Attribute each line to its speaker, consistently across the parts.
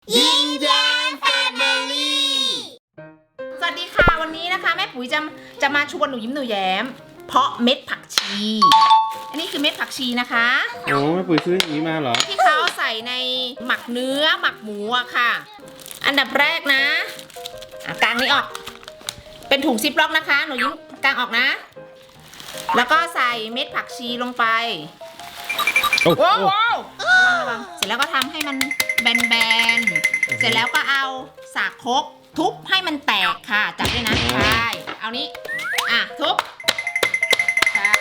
Speaker 1: ยิ้มแย้มแฟมิลี่สวัสดีค่ะวันนี้นะคะแม่ปุ๋ยจะมาชวนหนูยิ้มหนูแย้มเพาะเม็ดผักชีอันนี้คือเม็ดผักชีนะคะ
Speaker 2: โอ้แม่ปุ๋ยซื้ออย่างนี้มาเหรอ
Speaker 1: ที่เขาใส่ในหมักเนื้อหมักหมูอะค่ะอันดับแรกนะกางนี้ออกเป็นถุงซิปล็อกนะคะหนูยิ้มกางออกนะแล้วก็ใส่เม็ดผักชีลงไปว้าวระวังเสร็จแล้วก็ทำให้มันแบนๆเสร็จแล้วก็เอาสากครกทุบให้มันแตกค่ะจับด้วยนะใช่เอานี้ทุบใช่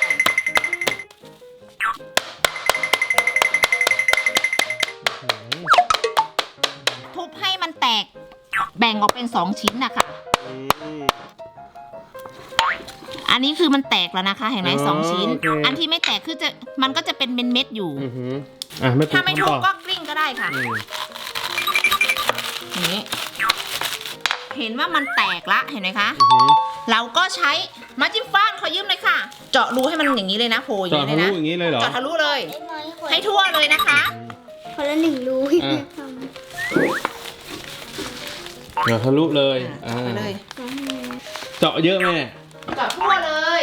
Speaker 1: ทุบให้มันแตกแบ่งออกเป็น2ชิ้นนะคะอันนี้คือมันแตกแล้วนะคะเห็นไหม2 ชิ้นอันที่ไม่แตกคือมันก็จะเป็นเม็ดๆอยู่ถ้าไม่ทุบก็กลิ้งก็ได้ค่ะนี่เห็นว่ามันแตกละเห็นไหมคะเราก็ใช้ไม้จิ้มฟันขอยืมเลยค่ะเจาะรูให้มันอย่างนี้เลยนะโผล่อย่างนี้เลยนะ
Speaker 2: เจาะทะลุอย่างนี้เลยเหรอ
Speaker 1: เจาะทะลุเลยให้ทั่วเลยนะคะ
Speaker 3: คนละ1 รูให้แม่ทำ
Speaker 2: เจาะทะลุเลย
Speaker 1: ไปเลย
Speaker 2: เจาะเยอะแม่
Speaker 1: เจาะทั่วเลย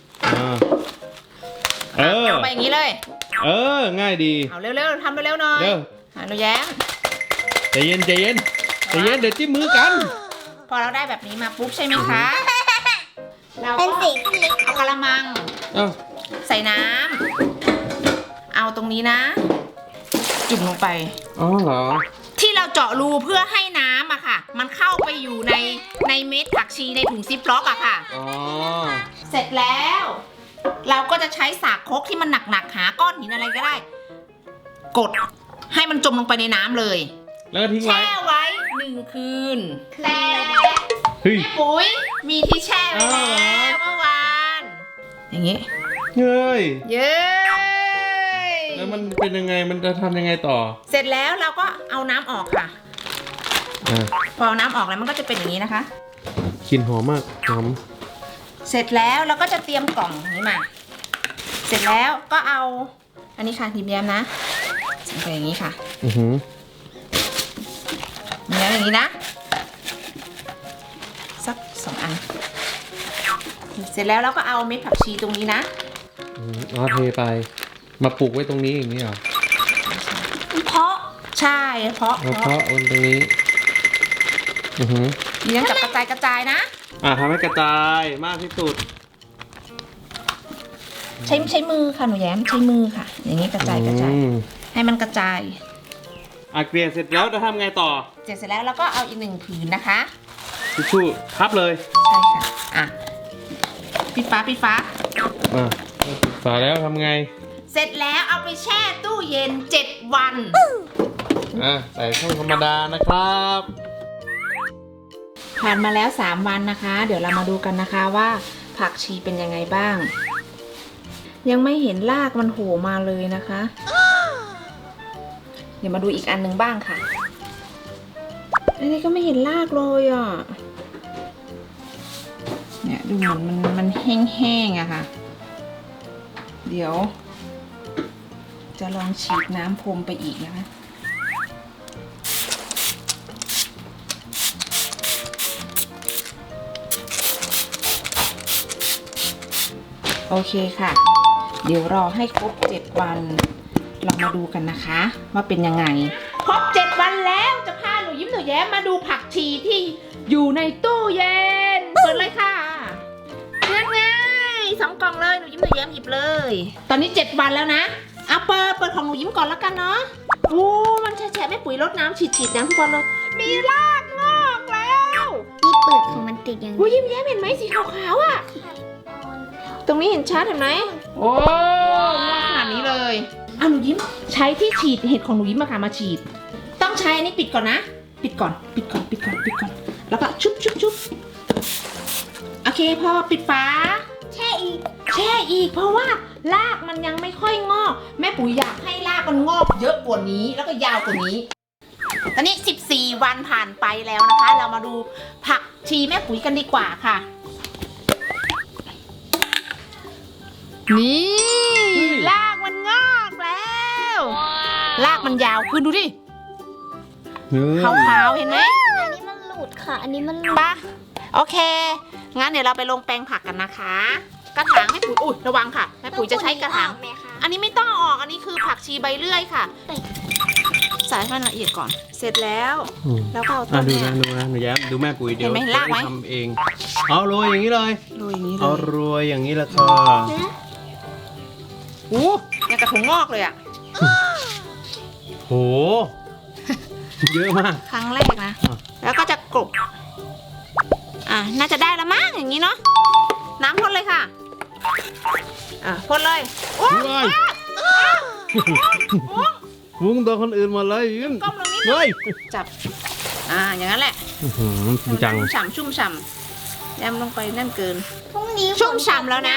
Speaker 1: เอาไปอย่างนี้เลย
Speaker 2: ง่ายดี
Speaker 1: เอาเร็วๆทำเร็วๆหน่อยหนูแย้ม
Speaker 2: ใจเย็นเดี๋ยวจิ้มมือกัน
Speaker 1: พอเราได้แบบนี้มาปุ๊บใช่ไหมคะเราก็
Speaker 3: เป็นสีที่เล็ก
Speaker 1: เอากระมังใส่น้ำเอาตรงนี้นะจุ่มลงไป
Speaker 2: อ๋อเหรอ
Speaker 1: ที่เราเจาะรูเพื่อให้น้ำอะค่ะมันเข้าไปอยู่ในเม็ดผักชีในถุงซิปล็อกอะค่ะเสร็จแล้วเราก็จะใช้สากครกที่มันหนักๆหาก้อนหินอะไรก็ได้กดให้มันจมลงไปในน้ำเลย
Speaker 2: แล้วก็ทิ้งไว้
Speaker 1: แช่ไว้1 คืนแต่แม่ปุ๋ยมีที่แช่ไว้แล้วเมื่อวานอย่างงี้
Speaker 2: เย้ยแล้วมันเป็นยังไงมันจะทำยังไงต่อ
Speaker 1: เสร็จแล้วเราก็เอาน้ำออกค่ะพอน้ำออกแล้วมันก็จะเป็นอย่างนี้นะคะ
Speaker 2: กลิ่นหอมมากหอม
Speaker 1: เสร็จแล้วเราก็จะเตรียมกล่องนี้มาเสร็จแล้วก็เอาอันนี้ค่ะยิ้มแย้มนะใส่ไปอย่างนี้ค่ะอย่างนี้นะสัก2 อันเสร็จแล้วเราก็เอาเม็ดผักชีตรงนี้นะ
Speaker 2: เทไปมาปลูกไว้ตรงนี้อย่างนี้เหรอ
Speaker 1: เพาะใช่เพาะ
Speaker 2: บนตรงนี้
Speaker 1: นี่ยังจับกระจายนะ
Speaker 2: ทำให้กระจายมากที่สุด
Speaker 1: ใช้มือค่ะหนูแย้มใช้มือค่ะอย่างนี้กระจายให้มันกระจาย
Speaker 2: เกลี่ยเสร็จแล้วจะทำไงต่อ
Speaker 1: เสร็จแล้วเราก็เอาอีก1 ผืนนะคะ
Speaker 2: ทิชชู่พับเลย
Speaker 1: ใช่ค่ะปิดฝา
Speaker 2: ปิดฝาแล้วทำไง
Speaker 1: เสร็จแล้วเอาไปแช่ตู้เย็น7 วัน
Speaker 2: ใส่ช่องธรรมดานะครับ
Speaker 1: ผ่านมาแล้ว3 วันนะคะเดี๋ยวเรามาดูกันนะคะว่าผักชีเป็นยังไงบ้างยังไม่เห็นรากมันโผล่มาเลยนะคะเดี๋ยวมาดูอีกอันนึงบ้างค่ะอันนี้ก็ไม่เห็นรากเลยอ่ะเนี่ยดูเหมือนมันแห้งๆอะค่ะเดี๋ยวจะลองฉีดน้ำพรมไปอีกนะคะโอเคค่ะเดี๋ยวรอให้ครบ7 วันเรามาดูกันนะคะว่าเป็นยังไงครบ7 วันแล้วจะพาหนูยิ้มหนูแย้มมาดูผักชีที่อยู่ในตู้เย็นเปิดเลยค่ะง่ายๆ2 กล่องเลยหนูยิ้มหนูแย้มหยิบเลยตอนนี้7 วันแล้วนะเอาเปิดของหนูยิ้มก่อนแล้วกันเนาะโอ้มันแฉะแม่ปุ๋ยรดน้ำฉีดน้ำทุกวันเลยมีรากงอกแล้ว
Speaker 3: ที่เปิดของมันติดอย่าง
Speaker 1: นี้ยิ้มแย้มเห็นไหมสีขาวๆอ่ะตรงนี้เห็นชัดเห็นไหมโอ้งอกขนาดนี้เลยเอาหนูยิ้มใช้ที่ฉีดเห็ดของหนูยิ้มมาฉีดต้องใช้อันนี้ปิดก่อนนะปิดก่อนแล้วก็ชุบโอเคพอปิดฝาแช่อีกเพราะว่ารากมันยังไม่ค่อยงอกแม่ปุ๋ยอยากให้รากมันงอกเยอะกว่านี้แล้วก็ยาวกว่านี้ตอนนี้14 วันผ่านไปแล้วนะคะเรามาดูผักชีแม่ปุ๋ยกันดีกว่าค่ะนี่รากมันงอกแล้วรากมันยาวขึ้นดูดิขาวๆเห็นไหม
Speaker 3: อันนี้มันหลุดค่ะ อันนี้มันหลุด
Speaker 1: ปะโอเค งั้นเดี๋ยวเราไปลงแปลงผักกันนะคะ กระถางแม่ปุ๋ยอุ้ยระวังค่ะแม่ปุ๋ยจะใช้กระถาง
Speaker 3: ไหมคะ
Speaker 1: อันนี้ไม่ต้องเอาออก อันนี้คือผักชีใบเลื่อยค่ะใส่ให้มันละเอียดก่อน เสร็จแล้ว แล้วก็เอาต้น
Speaker 2: ดู
Speaker 1: เนี่ย
Speaker 2: นะดูนะหนูแย้มดูแม่ปุ๋ยเดี๋ยว
Speaker 1: เห็นไหมลากไหม
Speaker 2: ทำเองเอาโรยอย่างนี้เลย
Speaker 1: โรยอย่างนี้เล
Speaker 2: เอา
Speaker 1: ย
Speaker 2: โรยอย่างนี้ละค่ะ
Speaker 1: อู้ยังกระถุงงอกเลยอะ
Speaker 2: โหเยอะมาก
Speaker 1: ครั้งแรกนะ
Speaker 2: อ่ะ
Speaker 1: แล้วก็จะกลบน่าจะได้ละมั้งอย่างนี้เนาะ น้ำพ่นเลยค่ะ พ่นเลยโอ้
Speaker 2: ว้ายวุ้งตัวคนอื่นหมาเลยยืน
Speaker 1: ก้มลงนิดนึง
Speaker 2: เฮ้ย
Speaker 1: จับ อย่างนั้นแหละ
Speaker 2: จริงจัง
Speaker 1: ชุ่มฉ่ำแยมลงไปนั่นเกิน
Speaker 3: พรุ่งนี้
Speaker 1: ชุ่มฉ่ำแล้วนะ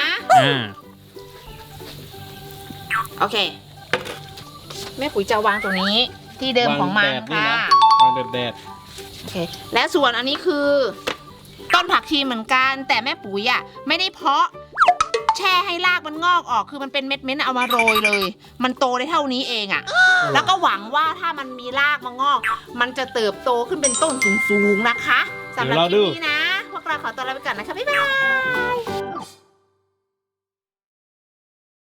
Speaker 1: โอเค แม่ปุ๋ยจะวางตรงนี้ที่เดิมของมันค่ะ
Speaker 2: วางแดด
Speaker 1: โอเค และส่วนอันนี้คือ ต้นผักชีเหมือนกัน แต่แม่ปุ๋ยอ่ะไม่ได้เพาะแช่ให้รากมันงอกออกคือมันเป็นเม็ดๆเอามาโรยเลย มันโตได้เท่านี้เองอ่ะ แล้วก็หวังว่าถ้ามันมีรากมางอก มันจะเติบโตขึ้นเป็นต้นสูงๆนะคะสำหรับคลิปนี้นะ พวกเราขอตัวลาไปก่อนนะคะ บ๊ายบาย